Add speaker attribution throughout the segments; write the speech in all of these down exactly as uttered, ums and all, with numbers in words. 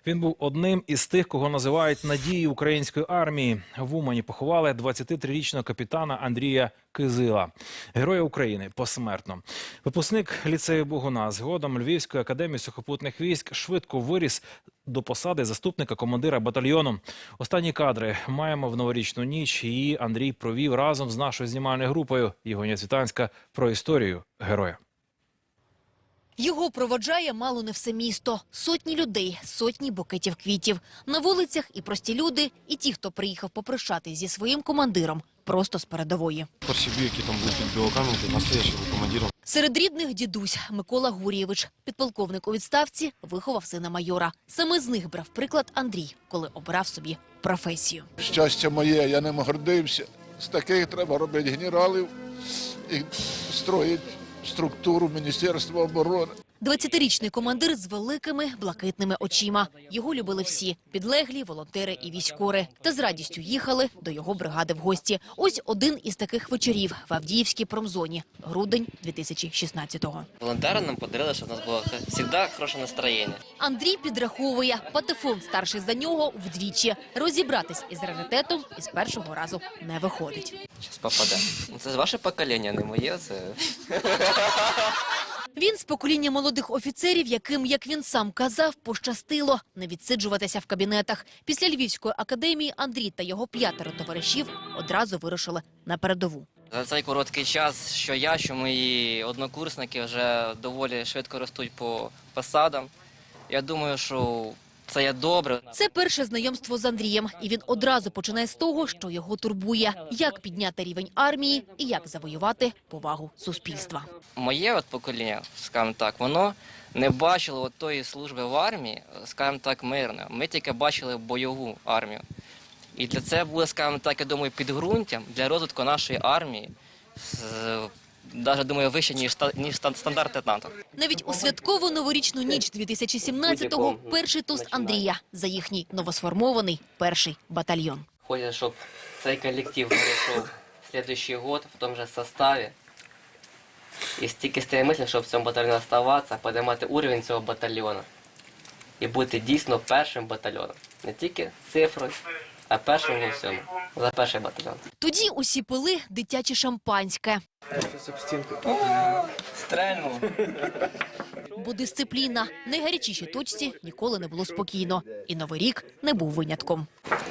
Speaker 1: Він був одним із тих, кого називають надією української армії. В Умані поховали двадцятитрирічного капітана Андрія Кизила, Героя України посмертно. Випускник ліцею Богуна, згодом Львівської академії сухопутних військ, швидко виріс до посади заступника командира батальйону. Останні кадри маємо в новорічну ніч. Її Андрій провів разом з нашою знімальною групою «Євгенія Цвітанська» про історію героя.
Speaker 2: Його проводжає мало не все місто. Сотні людей, сотні букетів квітів. На вулицях і прості люди, і ті, хто приїхав попрощатись зі своїм командиром просто з передової.
Speaker 3: Перші бій, які там були під Білокам'янкою, настоящий був командиром.
Speaker 2: Серед рідних дідусь Микола Гурєвич. Підполковник у відставці, виховав сина майора. Саме з них брав приклад Андрій, коли обирав собі професію.
Speaker 4: Щастя моє, я ним гордився. З таких треба робити генералів і строїть структуру Міністерства оборони.
Speaker 2: двадцятирічний командир з великими блакитними очима. Його любили всі – підлеглі, волонтери і військові. Та з радістю їхали до його бригади в гості. Ось один із таких вечорів в Авдіївській промзоні. Грудень дві тисячі шістнадцятого.
Speaker 5: Волонтери нам подарили, щоб у нас було завжди хороше настроєння.
Speaker 2: Андрій підраховує. Патефон старший за нього вдвічі. Розібратись із раритетом із першого разу не виходить.
Speaker 5: Зараз попаде. Це ваше покоління, не моє. Це...
Speaker 2: Він з покоління молодих офіцерів, яким, як він сам казав, пощастило не відсиджуватися в кабінетах. Після Львівської академії Андрій та його п'ятеро товаришів одразу вирушили на передову.
Speaker 5: За цей короткий час, що я, що мої однокурсники вже доволі швидко ростуть по посадам. Я думаю, що це є добре.
Speaker 2: Це перше знайомство з Андрієм. І він одразу починає з того, що його турбує. Як підняти рівень армії і як завоювати повагу суспільства.
Speaker 5: Моє от покоління, скажімо так, воно не бачило от тої служби в армії, скажімо так, мирно. Ми тільки бачили бойову армію. І для це було, скажімо так, я думаю, підґрунтям для розвитку нашої армії, навіть, думаю, вище, ніж, ніж стандарти НАТО.
Speaker 2: Навіть у святкову новорічну ніч дві тисячі сімнадцятого перший тост Андрія за їхній новосформований перший батальйон.
Speaker 5: Хочеться, щоб цей колектив перейшов в наступний рік в тому ж составі. І стільки стає мислі, щоб в цьому батальйоні залишатися, підіймати рівень цього батальйону. І бути дійсно першим батальйоном. Не тільки цифрою, а першим у всьому. За перший батальйон.
Speaker 2: Тоді усі пили дитяче шампанське.
Speaker 5: Стрельнув.
Speaker 2: Бо дисципліна. В найгарячішій точці ніколи не було спокійно. І Новий рік не був винятком.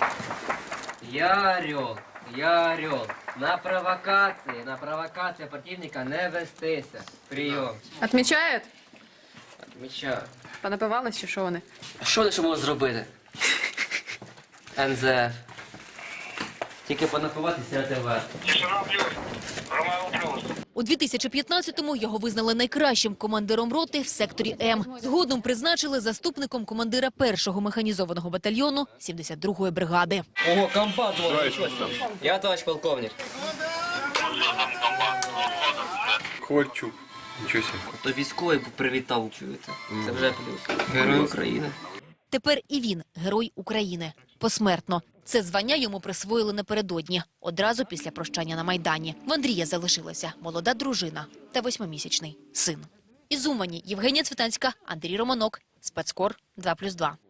Speaker 5: Я орел, я орел. На провокації, на провокації противника не вестися. Прийом.
Speaker 6: Отмічають?
Speaker 5: Відмічаю.
Speaker 6: Понапивались чи що вони?
Speaker 5: А що вони ще можуть зробити? ен зе еф. Тільки понапиватися ТВ.
Speaker 2: У дві тисячі п'ятнадцятому його визнали найкращим командиром роти в секторі М. Згодом призначили заступником командира першого механізованого батальйону сімдесят другої бригади.
Speaker 5: Ого, комбат дзвонить. Я товариш полковник.
Speaker 3: Ковальчук. Нічого себе.
Speaker 5: То військовий привітав, чуєте. Це вже плюс. Герой України.
Speaker 2: Тепер і він – Герой України. Посмертно. Це звання йому присвоїли напередодні, одразу після прощання на Майдані. В Андрія залишилася молода дружина та восьмимісячний син. Із Умані Євгенія Цвітанська, Андрій Романок, Спецкор два плюс два.